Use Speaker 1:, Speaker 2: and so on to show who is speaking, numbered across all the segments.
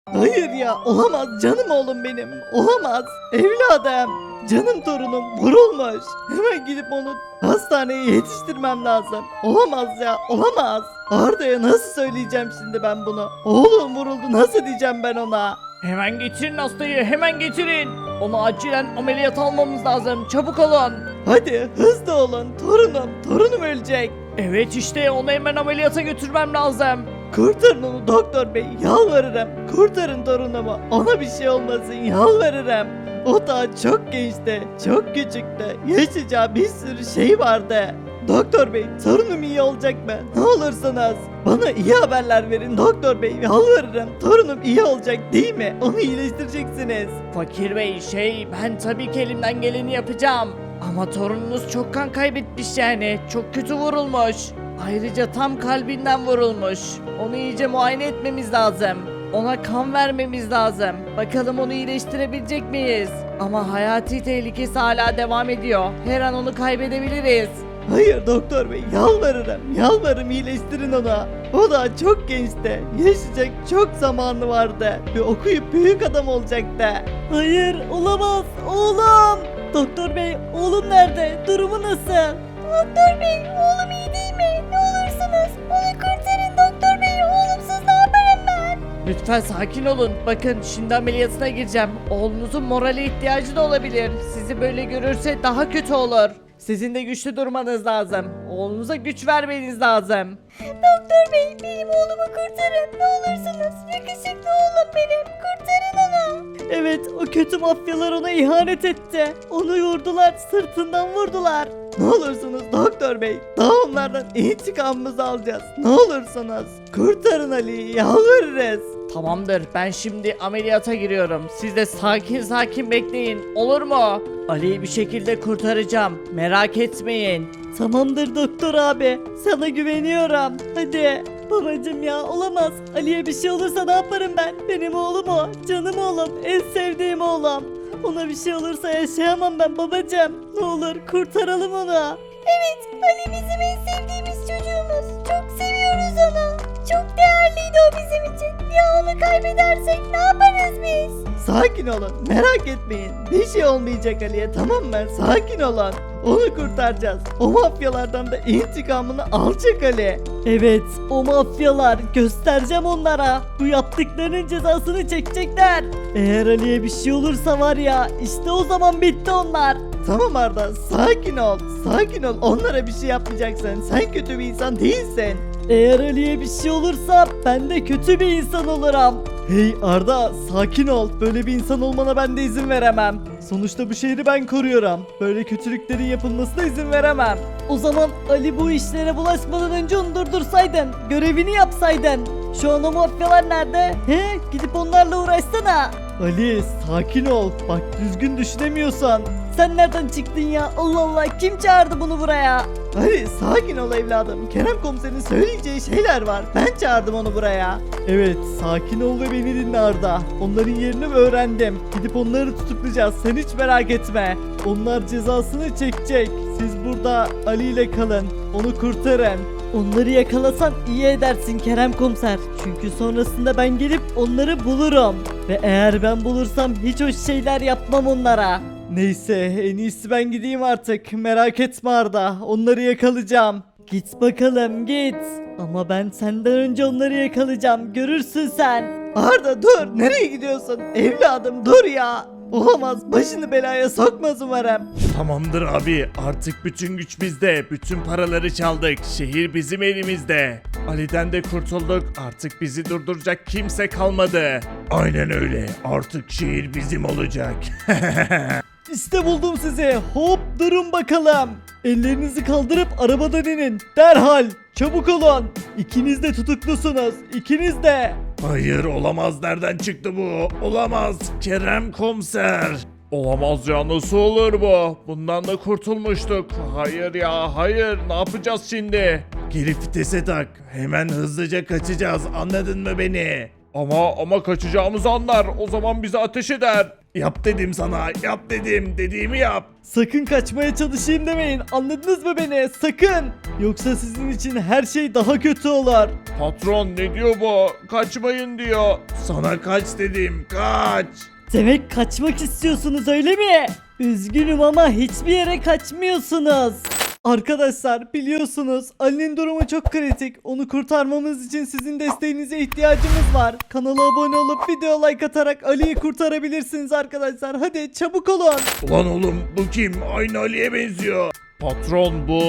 Speaker 1: Hayır ya, olamaz canım oğlum benim, olamaz. Evladım, canım torunum vurulmuş. Hemen gidip onu hastaneye yetiştirmem lazım. Olamaz ya, olamaz. Arda'ya nasıl söyleyeceğim şimdi ben bunu? Oğlum vuruldu, nasıl diyeceğim ben ona?
Speaker 2: Hemen getirin hastayı, hemen getirin. Onu acilen ameliyat almamız lazım. Çabuk olun.
Speaker 1: Hadi hızlı olun, torunum ölecek.
Speaker 2: Evet işte onu hemen ameliyata götürmem lazım.
Speaker 1: Kurtarın onu doktor bey, yalvarırım. Kurtarın torunumu, ona bir şey olmasın, yalvarırım. O daha çok gençti, çok küçüktü. Yaşayacağı bir sürü şey vardı. Doktor bey, torunum iyi olacak mı? Ne olursunuz. Bana iyi haberler verin doktor bey, yalvarırım. Torunum iyi olacak değil mi? Onu iyileştireceksiniz.
Speaker 2: Fakir bey ben tabii ki elimden geleni yapacağım. Ama torununuz çok kan kaybetmiş yani. Çok kötü vurulmuş. Ayrıca tam kalbinden vurulmuş. Onu iyice muayene etmemiz lazım. Ona kan vermemiz lazım. Bakalım onu iyileştirebilecek miyiz? Ama hayati tehlikesi hala devam ediyor. Her an onu kaybedebiliriz.
Speaker 1: Hayır doktor bey, yalvarırım iyileştirin onu. O daha çok gençti. Yaşayacak çok zamanı vardı. Ve okuyup büyük adam olacaktı. Hayır olamaz oğlum. Doktor bey, oğlum nerede? Durumu nasıl?
Speaker 3: Doktor bey, oğlum iyi değil mi? Ne olursunuz onu kurtarın doktor bey. Oğlumsuz ne yaparım ben?
Speaker 2: Lütfen sakin olun. Bakın şimdi ameliyatına gireceğim. Oğlunuzun morale ihtiyacı da olabilir. Sizi böyle görürse daha kötü olur. Sizin de güçlü durmanız lazım. Oğlunuza güç vermeniz lazım.
Speaker 3: Doktor bey, benim oğlumu kurtarın. Ne olursunuz. Yakışıklı oğlum benim. Kurtarın onu.
Speaker 1: Evet, o kötü mafyalar ona ihanet etti. Onu vurdular, sırtından vurdular. Ne olursunuz doktor bey, daha onlardan intikamımızı alacağız. Ne olursunuz, kurtarın Ali'yi, yalvarırız.
Speaker 2: Tamamdır. Ben şimdi ameliyata giriyorum. Siz de sakin sakin bekleyin. Olur mu? Ali'yi bir şekilde kurtaracağım. Merak etmeyin.
Speaker 1: Tamamdır doktor abi, sana güveniyorum. Hadi. Babacım ya, olamaz. Ali'ye bir şey olursa ne yaparım ben? Benim oğlum o, canım oğlum, en sevdiğim oğlum. Ona bir şey olursa yaşayamam ben babacım. Ne olur kurtaralım onu.
Speaker 3: Evet, Ali bizim en sevdiğimiz çocuğumuz. Çok seviyoruz onu. Çok değerliydi o bizim için. Ya onu kaybedersek ne yaparız biz?
Speaker 1: Sakin olun, merak etmeyin. Bir şey olmayacak Ali'ye, tamam mı? Sakin olun. Onu kurtaracağız. O mafyalardan da intikamını alacak Ali. Evet, o mafyalar. Göstereceğim onlara. Bu yaptıklarının cezasını çekecekler. Eğer Ali'ye bir şey olursa var ya, işte o zaman bitti onlar. Tamam Arda, sakin ol. Sakin ol, onlara bir şey yapmayacaksın. Sen kötü bir insan değilsin. Eğer Ali'ye bir şey olursa ben de kötü bir insan olurum. Hey Arda, sakin ol. Böyle bir insan olmana ben de izin veremem. Sonuçta bu şehri ben koruyorum. Böyle kötülüklerin yapılmasına izin veremem. O zaman Ali bu işlere bulaşmadan önce onu durdursaydın. Görevini yapsaydın. Şu an o mafyalar nerede? He? Gidip onlarla uğraşsana. Ali sakin ol. Bak düzgün düşünemiyorsan. Sen nereden çıktın ya? Allah Allah, kim çağırdı bunu buraya? Ali sakin ol evladım. Kerem komiserin söyleyeceği şeyler var. Ben çağırdım onu buraya. Evet, sakin ol ve beni dinle Arda. Onların yerini öğrendim. Gidip onları tutuklayacağız. Sen hiç merak etme. Onlar cezasını çekecek. Siz burada Ali ile kalın. Onu kurtarın. Onları yakalasan iyi edersin Kerem komiser. Çünkü sonrasında ben gelip onları bulurum. Ve eğer ben bulursam hiç hoş şeyler yapmam onlara. Neyse, en iyisi ben gideyim artık. Merak etme Arda. Onları yakalayacağım. Git bakalım git. Ama ben senden önce onları yakalayacağım. Görürsün sen. Arda dur. Nereye gidiyorsun? Evladım dur ya. Olamaz. Başını belaya sokmaz umarım.
Speaker 4: Tamamdır abi, artık bütün güç bizde, bütün paraları çaldık, şehir bizim elimizde. Ali'den de kurtulduk, artık bizi durduracak kimse kalmadı. Aynen öyle, artık şehir bizim olacak.
Speaker 1: İşte buldum sizi. Hop durun bakalım. Ellerinizi kaldırıp arabadan inin. Derhal. Çabuk olun. İkiniz de tutuklusunuz. İkiniz de.
Speaker 4: Hayır, olamaz, nereden çıktı bu? Olamaz, Kerem komiser. Olamaz ya, nasıl olur bu? Bundan da kurtulmuştuk. Hayır ya, hayır, ne yapacağız şimdi? Geri vitese tak, hemen hızlıca kaçacağız, anladın mı beni? Ama kaçacağımızı anlar, o zaman bize ateş eder. Yap dedim sana, yap dedim. Dediğimi yap.
Speaker 1: Sakın kaçmaya çalışayım demeyin. Anladınız mı beni? Sakın. Yoksa sizin için her şey daha kötü olur.
Speaker 4: Patron ne diyor bu? Kaçmayın diyor. Sana kaç dedim, kaç.
Speaker 1: Demek kaçmak istiyorsunuz öyle mi? Üzgünüm ama hiçbir yere kaçmıyorsunuz. Arkadaşlar biliyorsunuz Ali'nin durumu çok kritik. Onu kurtarmamız için sizin desteğinize ihtiyacımız var. Kanala abone olup video like atarak Ali'yi kurtarabilirsiniz arkadaşlar. Hadi çabuk olun.
Speaker 4: Ulan oğlum bu kim? Aynı Ali'ye benziyor. Patron bu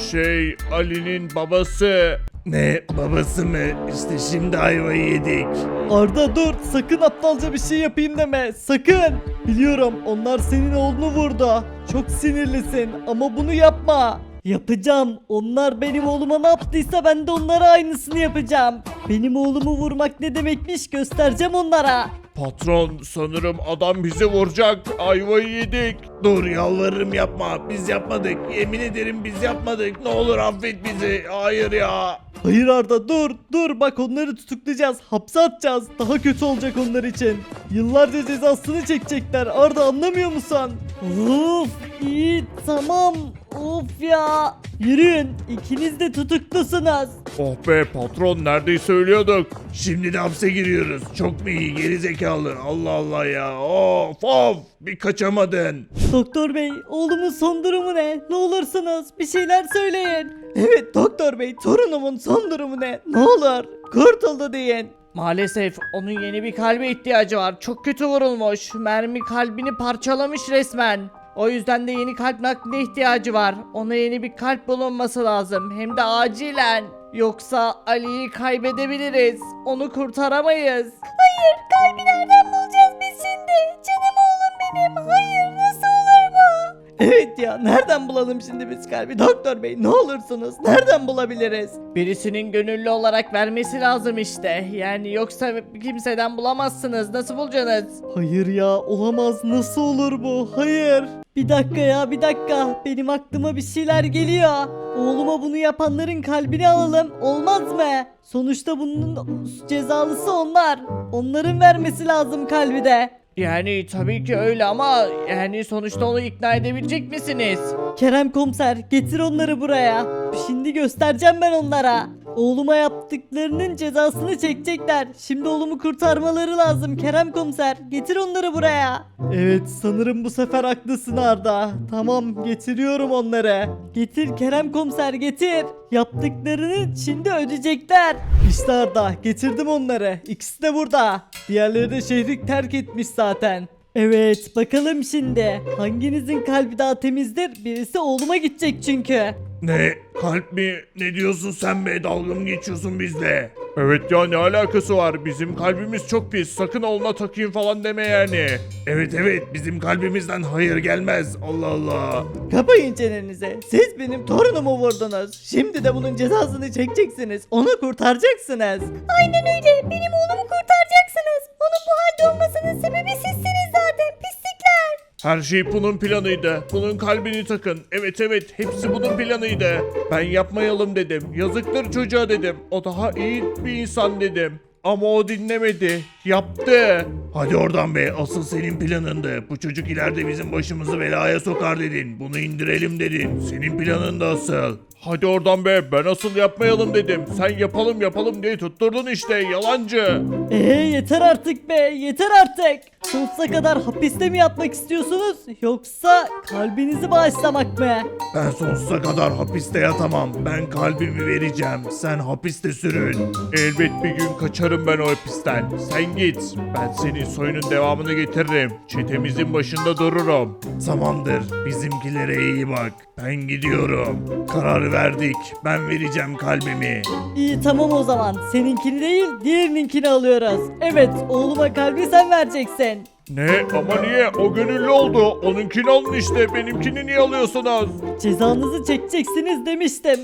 Speaker 4: Ali'nin babası. Ne babası mı? İşte şimdi ayvayı yedik.
Speaker 1: Arda dur, sakın aptalca bir şey yapayım deme, sakın. Biliyorum onlar senin oğlunu vurdu. Çok sinirlisin ama bunu yapma. Yapacağım. Onlar benim oğluma ne yaptıysa ben de onlara aynısını yapacağım. Benim oğlumu vurmak ne demekmiş göstereceğim onlara.
Speaker 4: Patron sanırım adam bizi vuracak. Ayvayı yedik. Dur yalvarırım yapma. Biz yapmadık. Yemin ederim biz yapmadık. Ne olur affet bizi. Hayır ya.
Speaker 1: Hayır Arda dur bak onları tutuklayacağız, hapse atacağız. Daha kötü olacak onlar için. Yıllarca cezasını çekecekler Arda, anlamıyor musun? Of iyi tamam, of ya. Yürüyün, ikiniz de tutuklusunuz.
Speaker 4: Oh be patron neredeyse ölüyorduk. Şimdi de hapse giriyoruz. Çok mu iyi geri zekalı. Allah Allah ya. Of bir kaçamadın.
Speaker 1: Doktor bey, oğlumun son durumu ne? Ne olursunuz bir şeyler söyleyin. Evet doktor bey, torunumun son durumu ne? Ne olur kurtuldu deyin.
Speaker 2: Maalesef onun yeni bir kalbe ihtiyacı var. Çok kötü vurulmuş. Mermi kalbini parçalamış resmen. O yüzden de yeni kalp nakline ihtiyacı var. Ona yeni bir kalp bulunması lazım. Hem de acilen. Yoksa Ali'yi kaybedebiliriz. Onu kurtaramayız.
Speaker 3: Hayır, kalbi nereden bulacağız biz şimdi? Canım oğlum benim. Hayır, nasıl olur bu?
Speaker 1: Evet ya, nereden bulalım şimdi biz kalbi doktor bey, ne olursunuz nereden bulabiliriz?
Speaker 2: Birisinin gönüllü olarak vermesi lazım işte. Yani yoksa kimseden bulamazsınız. Nasıl bulacaksınız?
Speaker 1: Hayır ya, olamaz, nasıl olur bu, hayır. Bir dakika ya, bir dakika, benim aklıma bir şeyler geliyor. Oğluma bunu yapanların kalbini alalım, olmaz mı? Sonuçta bunun cezalısı onlar. Onların vermesi lazım kalbi de.
Speaker 2: Yani tabii ki öyle ama yani sonuçta onu ikna edebilecek misiniz?
Speaker 1: Kerem komiser, getir onları buraya. Şimdi göstereceğim ben onlara. Oğluma yaptıklarının cezasını çekecekler. Şimdi oğlumu kurtarmaları lazım Kerem komiser. Getir onları buraya. Evet, sanırım bu sefer haklısın Arda. Tamam, getiriyorum onları. Getir Kerem komiser, getir. Yaptıklarını şimdi ödeyecekler. İşte Arda, getirdim onları. İkisi de burada. Diğerleri de şehri terk etmiş zaten. Evet, bakalım şimdi. Hanginizin kalbi daha temizdir? Birisi oğluma gidecek çünkü.
Speaker 4: Ne? Kalp mi? Ne diyorsun sen be? Dalga mı geçiyorsun bizle? Evet ya ne alakası var? Bizim kalbimiz çok pis. Sakın oğluna takayım falan deme yani. Evet bizim kalbimizden hayır gelmez. Allah Allah.
Speaker 1: Kapayın çenenizi. Siz benim torunumu vurdunuz. Şimdi de bunun cezasını çekeceksiniz. Onu kurtaracaksınız.
Speaker 3: Aynen öyle. Benim oğlumu kurtaracaksınız. Onun bu halde olmasının sebebi sizsiniz zaten. Pislikler.
Speaker 4: Her şey bunun planıydı. Bunun kalbini takın. Evet hepsi bunun planıydı. Ben yapmayalım dedim. Yazıktır çocuğa dedim. O daha iyi bir insan dedim. Ama o dinlemedi. Yaptı. Hadi oradan be. Asıl senin planındı. Bu çocuk ileride bizim başımızı belaya sokar dedin. Bunu indirelim dedin. Senin planın da asıl. Hadi oradan be. Ben asıl yapmayalım dedim. Sen yapalım diye tutturdun işte. Yalancı.
Speaker 1: Yeter artık be, yeter artık. Sonsuza kadar hapiste mi yatmak istiyorsunuz? Yoksa kalbinizi bağışlamak mı?
Speaker 4: Ben sonsuza kadar hapiste yatamam. Ben kalbimi vereceğim. Sen hapiste sürün. Elbet bir gün kaçarım ben o hapisten. Sen git. Ben senin soyunun devamını getiririm. Çetemizin başında dururum. Tamamdır. Bizimkilere iyi bak. Ben gidiyorum. Karar verdik. Ben vereceğim kalbimi.
Speaker 1: İyi tamam o zaman. Seninkini değil, diğerininkini alıyoruz. Evet, oğluma kalbi sen vereceksin.
Speaker 4: Ne? Ama niye? O gönüllü oldu. Onunkini alın işte. Benimkini niye alıyorsunuz?
Speaker 1: Cezanızı çekeceksiniz demiştim.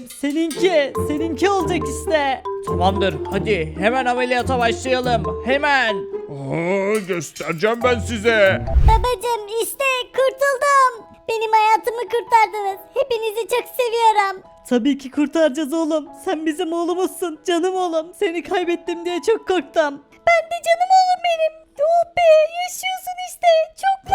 Speaker 1: Seninki olacak işte.
Speaker 2: Tamamdır hadi hemen ameliyata başlayalım. Hemen.
Speaker 4: Göstereceğim ben size.
Speaker 3: Babacım işte kurtuldum. Benim hayatımı kurtardınız. Hepinizi çok seviyorum.
Speaker 1: Tabii ki kurtaracağız oğlum. Sen bizim oğlumuzsun, canım oğlum. Seni kaybettim diye çok korktum.
Speaker 3: Ben de canım oğlum benim. Oh be yaşıyorsun işte. Çok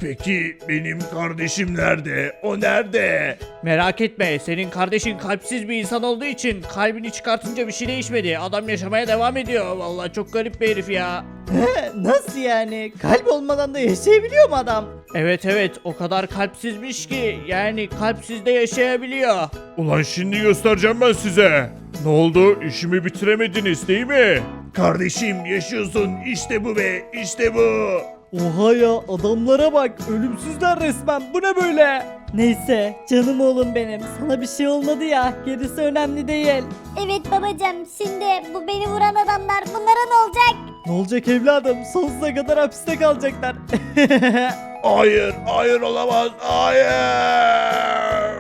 Speaker 4: Peki benim kardeşim nerede? O nerede?
Speaker 2: Merak etme, senin kardeşin kalpsiz bir insan olduğu için kalbini çıkartınca bir şey değişmedi. Adam yaşamaya devam ediyor. Vallahi çok garip bir herif ya.
Speaker 1: He, nasıl yani? Kalp olmadan da yaşayabiliyor mu adam?
Speaker 2: Evet, o kadar kalpsizmiş ki yani kalpsiz de yaşayabiliyor.
Speaker 4: Ulan şimdi göstereceğim ben size. Ne oldu? İşimi bitiremediniz değil mi? Kardeşim yaşıyorsun. İşte bu be. İşte bu.
Speaker 1: Oha ya, adamlara bak, ölümsüzler resmen, bu ne böyle? Neyse canım oğlum benim, sana bir şey olmadı ya, gerisi önemli değil.
Speaker 3: Evet babacığım, şimdi bu beni vuran adamlar, bunlara ne olacak?
Speaker 1: Ne olacak evladım, sonsuza kadar hapiste kalacaklar.
Speaker 4: Hayır. Hayır olamaz. Hayır.